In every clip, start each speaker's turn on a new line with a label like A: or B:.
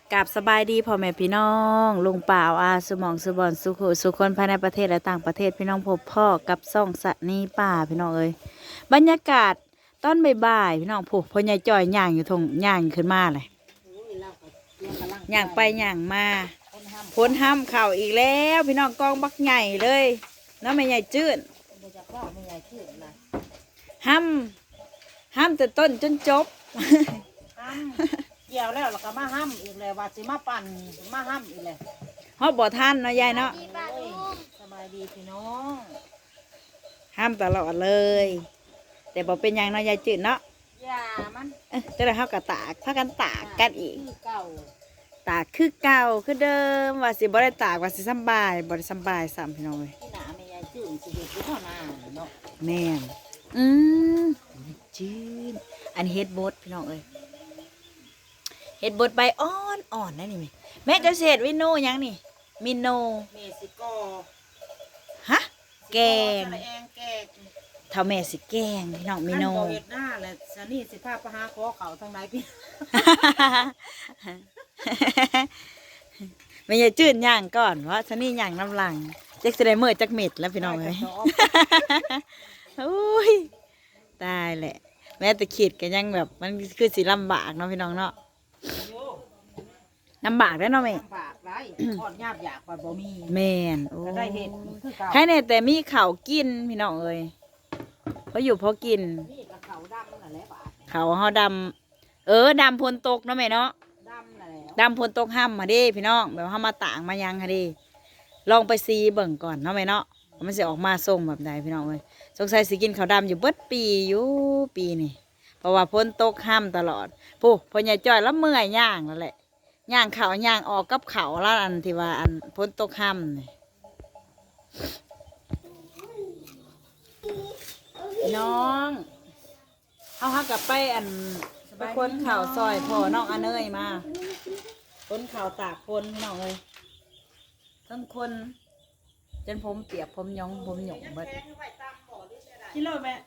A: กับสบายดีพ่อแม่พี่น้องลุงป่าวอาสุหมองสุบอนสุขุสุคนภายในประเทศและต่างประเทศพี่น้องพบพ่อกับซ่องสะนีป่าพี่น้องเอ้ยบรรยากาศตอนบ่ายๆพี่น้องผูกพ่อใหญ่จ่อยย่างอยู่ทงย่างขึ้นมาเลยย่างไปย่างมาพ้นห้ำเข่าอีกแล้วพี่น้องกองบักใหญ่เลยน้องแม่ใหญ่จืดห้ำแต่ต้นจนจบ
B: เกี่ยวแล้วก็มาห้ำอีกเลยว่าสิมาปั่นมาห้ำอีกเลย
A: ฮอบบ่ท่านเนาะยายเนาะ
B: สบายดีพี่น้อง
A: ห้ามตลอดเลย แต่บ่เป็นหยังเนาะยายจืดเนาะ
B: อย่ามัน
A: จะได้เฮากะตากพากันตากกันอีก
B: คือเก่า
A: ตากคือเก่าคือเดิมว่าสิบ่ได้ตากว่าสิสำบายบ่ได้สำบายซ้ำพี่น้องเอ้ย
B: ที่หนาไม่ยายจืดสิเด็ดที่เท่านาเนาะ
A: แม่นจืดอันนี้เฮ็ดบดพี่น้องเอ้ยเฮ็ดบดใบอ่อนๆนั่นนี่แม่จะเสร็จวิโนหยังนี่มิโน
B: เมสิโก
A: ฮะแกง
B: สะแองแกง
A: เท่าแม่สิแกงพี่น้องมิโน
B: ขั้บ่เฮ็ดหน้าแหละสนี่สิพาไปหาขอเขาทางไหนพี่
A: ไม่ใช่จืดย่างก่อนว่าฉันนี่ย่างน้ำลังเจ๊กจะได้เมื่อจักเม็ดแล้วพี่น้องเลย โอ้ยตายแหละ แม้แต่ขีดก็ยังแบบมันคือสีลำบากเนาะพี่น้องเนาะลำบากได้อเนาะแม่
B: ลำบากไรทอดยาบอยากกว่าบ่มี
A: แม่นโอ้
B: ก็ได้เห็ดคือเก่า
A: ใครเนี่ยแต่มีข้าวกินพี่น้องเอ้ยเพราะอยู่เพราะกิน
B: นี่กับเขาดำนั่นแหละบาด
A: เขาวเฮาดำดำพลตกเนาะแม่เนาะ
B: ดำนั่นแหละ
A: ดำพลตกห้ำมาดิพี่น้องแบบห้ามาต่างมายังค่ะดิลองไปซีเบิ่งก่อนเนาะแม่เนาะว่ามันจะออกมาส่งแบบใดพี่น้องเอ้ยสงสัยสิกินข้าวดำอยู่เบิดปีอยู่ปีนี่เพราะว่าพ้นตกห้ำตลอดผู้พ่อใหญ่จ้อยแล้วเมื่อยย่างแล้วแหละย่างเขาย่างออกกับเขาแล้วอันที่ว่าอันพ้นตกห้ำนี่พี่น้องเอาฮักกลับไปอันไปคนข่าวซอยพ่อน้องอันเนยมา คนข่าวตากคนพี่น้องเลยทั้งคนจนผมเปียกผมหยองผมหยงเบิด
B: กิโลแม่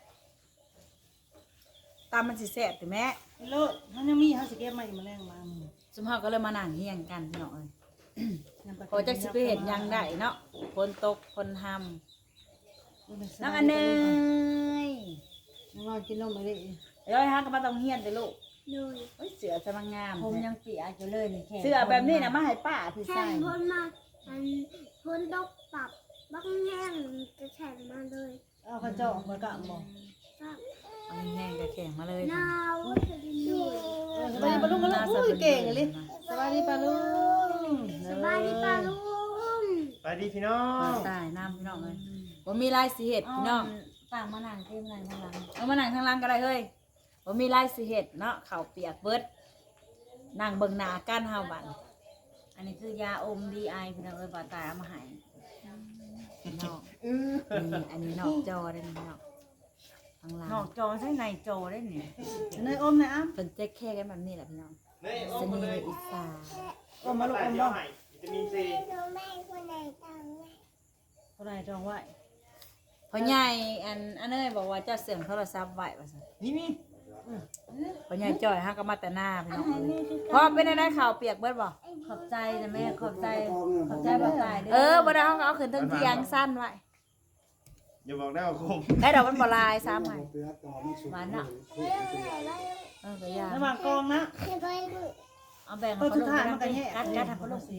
A: ตามมันสิแซ่บถึงแม่
B: กิโลมันยังมีเขาสิเก็บมาอีกมาแรงมา
A: สมภาก็เลยมานั่งเฮียงกันพี่น้องเลยพอจักสิไปเห็นยังได้เนาะคนตกคนทำน้องอันเนย
B: น้องกินนมไปดิ
A: ย้อยฮะก็มาต้องเฮียนเลยลูก
C: เลย
A: เอ้ยเสือจะมางาม
B: ผมยังเปียกอยู่เลยนี่แค่
A: เสือแบบนี้นะมาให้ป้าพี่
C: แข่
A: ใส่
C: งพ้นมาอันพ้นตกปรับบักแห้งจะแข่งมาเลย
B: เอากระจอกมากะมอง
C: ครับ
A: เอาแห้งๆกระแข็งมาเลย
C: หนาวจะดินด้วย
B: สบายดีปลาลุงกันลูกเก่งเลยสบายดีปลาลุง
C: สบายดีป่าลุง
D: ไปดีพี่น้อ
A: ปลาง ใต้น้ำพี่น้องเลยผมมีลายสีเห็ดพี่น้อง
B: ต่างมานั่งเต็มนั่งข้างหลัง
A: เอามานั่งข้างล่างก็ได้เฮ้ยผมมีลายสีเห็ดเนาะเข่าวเปียกเบิดนั่งเบิ่งหน้ากันเฮาบัดอันนี้คือยาอมดีไอพี่น้องเอ้ยบ่ตายเอามาให้นอกนี่อันนี้นอกจอได้นี่นอกข้างล่าง
B: นอกจอใช่ในจอได้เนี่ย
A: เนยอมนะเพิ่นแจ๊กแค่กันแบบนี้แหละพี่น้องสนีอิสา
B: อมมาลูกอม
D: เดี๋ย
B: บ่
D: วให้วิตามินซี
B: คนไหนจองไว้
A: พ่อใหญ่อันเอ้ยบอกว่าเจ้าเสื่อมโทรศัพท์ไว้ว่าซั่น
D: นี่
A: พ่อใหญ่จ่อยฮะก็มาแต่หน้าพี่น้องเอ้ยพอเป็นได้ข่าวเปียกเบิดบ่
B: ขอบใจนะแม่ขอบใจบ่ตาย
A: บ่ได้เอาขึ้นทั้งเที่ยงสั้นไว้
D: อย่าบอกได้ว่าคม
A: ได้ดอกมันบ่ลายซ้ำไว้หวานเนาะก็ยาก
B: ระหว่างกองนะ
A: เอาแบ่ง
B: เออ
A: เขา
B: สุ
A: ล
B: ด
A: ง
B: ท้าย
A: ไป
B: มันก็แย่
A: กัดทำเขาลง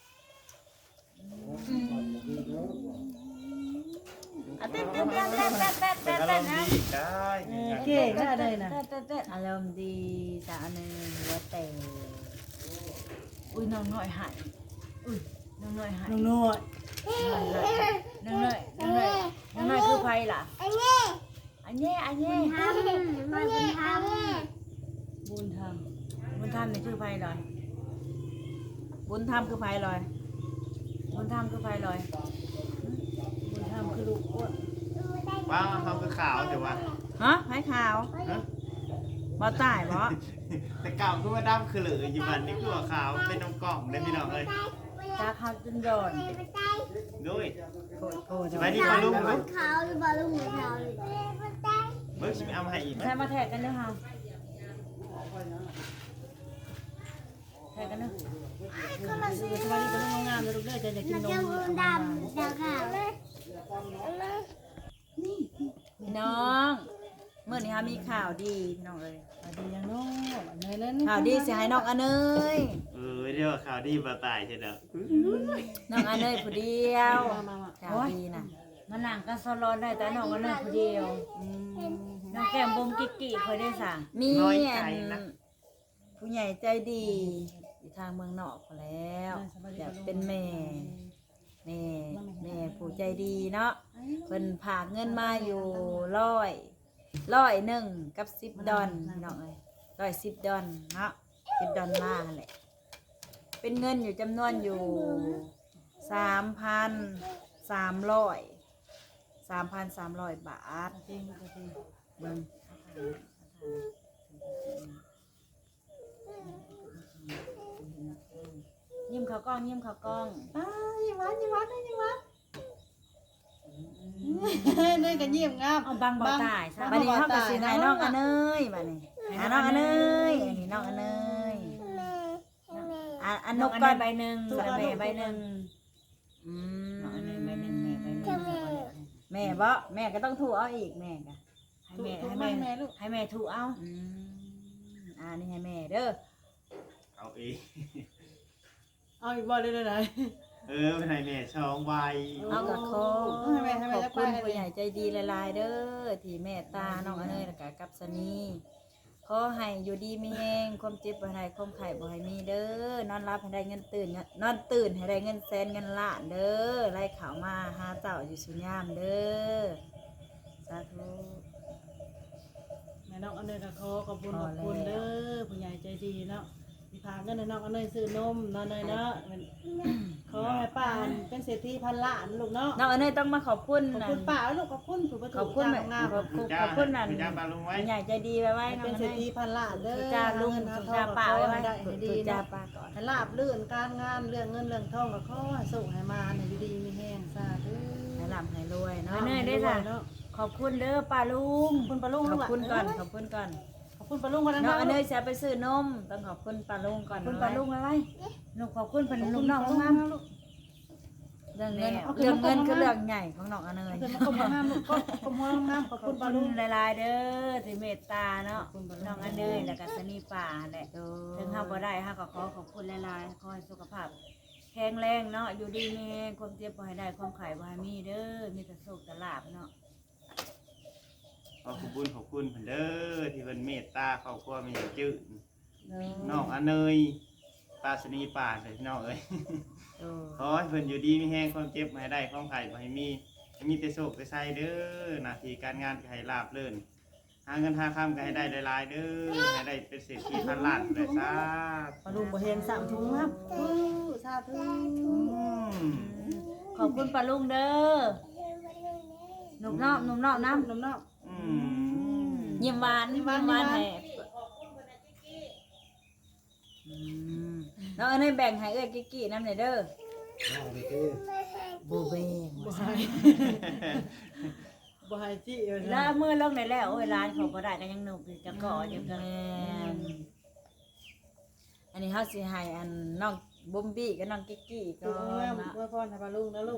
A: เต้นเต้นเต้นเต้นเต้นเต้น
D: เป็
A: เต้
D: น
A: น
D: อาร
A: เต้นนะ
D: มณ์ดีได้
B: เก่งได้เลยนะ
A: เต้นเต้นอารมณ์ดีสาวหนึ่งหัวแต่อุ้ยน้องน้อยหายอุ้ยน้องน้อยหาย
B: น้องน้อย
A: น้องน้อยน้องน้อยน้องน้อยคือไผล่ะอันเย่อันเย่
C: ทำมาเป็นท
B: บุญธรรม
A: บุญธรรมนี่คือไผลอยบุญธรรมคือไผลอยบุญธรรมคือไผลอย
B: บุญธรรมคือลูกอ้วน
D: ว้าวเขาคือขาวแต่ว่า
A: ฮะไผขาวบ่ตายบ่
D: แต่เก่าคือว่าดำคือเหลืออยู่บันนี่คือว่าขาวเป็นน้ำกล่องได้พี่น้องเลย
A: จากเขาจนโดน
D: ด้วย
A: โอ้โห
D: สบายดีปลาลุงลูก
C: ำขาวหรือป่าลุงหรือขาวเลย
D: เบิร์ชิมเอามาให้อีกไหม
A: ใช้มาแทกกันด้วยค่ะใครกันเนาะ
C: คนละสี
B: สวัสดีเป็นงามเลยลูกเด้อจะกิน
C: มัน
B: น
C: จะ
B: ม
C: ดำดำขาว
A: พี่น้องเมื่อนี้ค่ะมีข่าวดีพี่น้องเอ้ย
B: สวัสดียังโน่เนยเล่น
A: ข่าวดีสิให้น้องอเนย
D: เรียกว่าข่าวดีบ่ตายใช่เด้อ
A: น้องอเนยผู้เดียว
B: มา
A: ข่าวดีน่ะ
E: มันหนังก็สลอนได้แต่น้องก็นั่งคนเดียวน้องแก้มบงกิกกิเคยได้สั่ง
A: มีอันผู้ใหญ่ใจดีอยู่ทางเมืองนอกพอแล้วอยากเป็นแม่ผู้ใจดีเนาะเพิ่นผากเงินมาอยู่100กับ$10พี่น้องเอ้ย$10เนาะ$10แหละเป็นเงินอยู่จำนวนอยู่3,300 บาทเบิ่งยิ้มเขากล้องยิ้มเขากล้อง
B: ยิ้มหวานเนยกันยิ้มงาม
E: เอาบังบ่ตายซะ
A: บัดนี้เฮาก็สิให้น้องอเนยบัดนี้หาน้องอเนยอันนี้น้องอเนยอันน
E: น
A: ก
E: ก
A: ก่
E: ก่
A: อ
E: อน นใบหนึ่งแล้วแม่ใบหนึ่ง
A: อื
E: น้องอัน
A: ม
E: นี้ใบหนึ่งแม่ใบหนึ่ง
A: แม่บ่แม่ก็ต้องถูเอาอีกแม่ก็
E: ให้แม่ลูกให้แม่ถูเอา
A: อืมอันนี้ให้แม่เด้อ
D: เอาเอง
B: เอาอีกบ่เลย
D: เป็นไงแม่ช่องใบ
A: เอากับขอ
B: ให้แม่
A: ขอบ
B: จะไป
A: คุณผู้ใหญ่ใจดีหลายๆเด้อที่เมตตาน้องอเนยแล้วก็กับสนีขอให้อยู่ดีมีแรงความเจ็บบ่ให้ความไข้บ่ให้มีเด้อนอนรับให้ได้เงินตื่นนอนตื่นให้ได้เงินแสนเงินล้านเด้อไล่ข่าวมาหาเจ้าอยู่สุญามเด้อสาธุ
B: แม่น้องอันเนยก็ขอบคุณเด้อผู้ใหญ่ใจดีเนาะที่พาเงินน้องอันเนยซื้อนมนอนเนยเนาะขอให้ป้าเป็นเศรษฐีพันล้านลูกเนาะ
A: น้องอเนยต้องมาขอบคุณ
B: ขอบ
A: นั่
B: คุ
A: น
B: ณป้าลูกขอบคุณผู้ประ
A: ขอบคุณแม่
B: งาม
A: ขอบคุณนั่น
D: คุณจ้าปลาลุงไว้
A: ผู้ใหญ่ใจดีไว้ไว้น้อง
B: เป็น
A: อ
B: เศร
A: เน
B: ษฐี
A: ย
B: พันล้านเด้อ
A: จ้าลุง
B: เงิน
A: สุ
B: ท
A: จ้า
B: อง
A: ป้าไว้ไว้
B: ได้ให้ดี
A: จ้า
B: เนาะ
A: ป้าก่อน
B: ให้ลาบลื่นการงานเรื่องเงินเรื่องทองก็ขอให้สุขให้มาให้ดีมีแห้งสาธุ
A: ให้ร่ำให้รวยเนาะ
E: เนยได้จ้ะขอบคุณเด้อป้าลุง
B: ขอบคุณป้าลุง
A: ขอบคุณก่อนขอบคุณก่อน
B: ขอบคุณป้าลุงก่อนนะ
A: น้องอเนยจะไปซื้อนมต้องขอบคุณป้าลุงก่อน
E: คุณป้าลุงอะไรลูกขอบคุณเป็นลูกน้อง
B: ข
E: ลู
B: อบ
E: ก
B: คุ
E: งาม
B: ณลูก
A: เรื่องเงินเรื่องเงินคือเรื่องใหญ่ของน้องอเนย
B: ขอบคุณงามลูกขอบคุณงามขอบ
E: ขอ
B: คุ
E: บ
B: ณป้า
E: คุ
B: ลุ
E: ณ
B: ง
E: หลายๆเด้อที่เมตตาเนาะน้องอันเดยแล้วก็สนีป่าแหละถึงเฮาบ่ได้เฮาก็ขอขอบคุณหลายๆขอให้สุขภาพแข็งแรงเนาะอยู่ดีมีแรงความเจ็บบ่ให้ได้ความไข้บ่ให้มีเด้อมีแต่โชคแต่ลาภเนาะ
D: ขอบคุณเพิ่นเด้อที่เพิ่นเมตตาครอบครัวมีจื้อน้องอเนยปลาสนีป่าเลยพี่น้องเอ้ยขอให้เพิ่นอยู่ดีมีแห้งความเจ็บบ่ให้ได้ความไข้บ่ให้มีแต่โชคแต่ไสเด้อหน้าที่การงานก็ให้ราบรื่นหาเงินหาค่ำก็ให้ได้หลายๆเด้อให้ได้เป็นเศรษฐีพันล้านเลยสาธุ
B: ป้าลุงบ่เห็น3ถุงครับสาธุ
E: ขอบคุณป้าลุงเด้อหนุ่มนอกน้ำ
B: น้ำน้
A: ยิ้มหวานยิ้มหวานแห่น้องอเนยแบ่งให้เอ้ยกิ๊กกี้น้ำหน่อยเด้อบูเบ้ง
B: ำบ่ให้จี้
E: แล้วมือลงได้แล้วโอ้ยร้านเขาบ่ได้ก็ยังหนุกอยู่จะก่ออยู่กัน
A: แม่นอันนี้เขาสิให้อันน้องบุมบี้กับน้องกิ๊กกี้ก่
B: ถู
A: อก
B: งาม
A: นนะ
B: อวยพรให้ป้าลุงนะลูก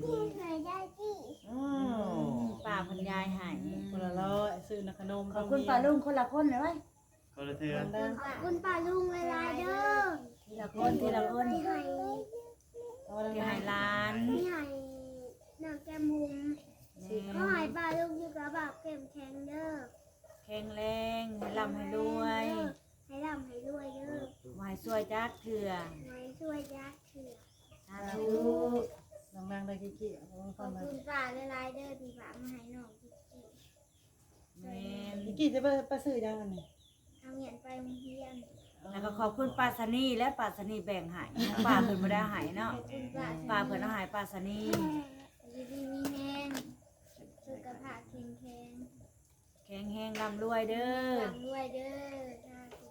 E: ป้าพันยายให้
B: คนละร้อยซื้อขนม
E: ขอบคุณป้าลุงคนละคนเลยไว้
D: คนละเทือ
C: ขอบคุณป้าลุงเวลาเด้อ
E: ทีละคนทีละคน
C: ที่ให้
E: ที่ให้ร้าน
C: ที่ให้น้องแก้มมุมก็ให้ป้าลุงอยู่กับแบบเข้มแข็งเด้อ
E: แข็งแรงให้ร่ำให้รวย
C: ให้ร่ำให้รวยเด้อ
E: มาให้ช่วยจักเถื่อ
C: ไว้ช่วยยักษ์เถื่อ
E: สาธุ
B: ดังๆได้กี่ๆ
C: ขอบคุณป้าหลายๆเด้อที่ฝากมาให้น้องกิ๊กกี้
E: แม่น
B: กี่จะไปซื้อยังอันนี้
C: ทำเงินไปโรงเรียน
E: แล้วก็ขอบคุณป้าสนีและป้าสนีแบ่งให้ป้าเพิ่นบ่ได้ให้เนาะ
C: ขอบคุณป้า
E: ป้าเพิ่นเอาให้ป้าสนี
C: อยู่ดีมีแห้งสุขภาพแข็งแรง
E: แข็งแรงร่ำรวยเด้อ
C: ร่ำรวยเด้อสาธุ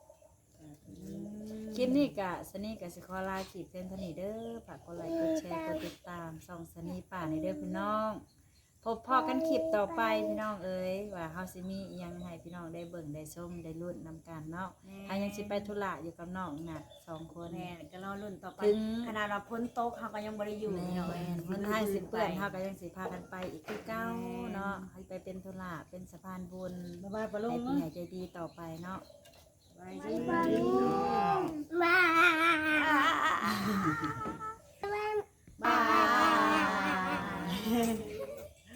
A: คลิปนี้กะสนีกับสิคอลาขีดเส้นเทานีเด้อฝากกดไลค์กดแชร์กดติดตามส่องสนีป่าในเด้อพี่น้องพบพ่อกันคลิปต่อไปพี่น้องเอ้ยว่าเฮาสิมีอิหยังให้พี่น้องได้เบิ่งได้ชมได้ลุ้นนำกันเนาะถ้ายังสิไปธุระอยู่กับน้องน่ะ2คน
E: แม่ก็รอรุ่นต่อไป
A: ถึง
E: ขนาดเราพ้นโต๊ะเขาก็ยังบ่ได้อยู่
A: แม่
E: เนาะ
A: มันทางสิเปื้อนเฮาก็ยังสิพากันไปอีกคือเก่าเนาะให้ไปเป็นธุระเป็นสะพานบุญ
B: บ๊ายบายปะลุ
A: ให้
B: ง
A: ผู้
B: เนาะ
A: ใหญ่ใจดีต่อไปเนาะ
E: ไป
C: ไป
E: ดี
C: ไปลูกว้า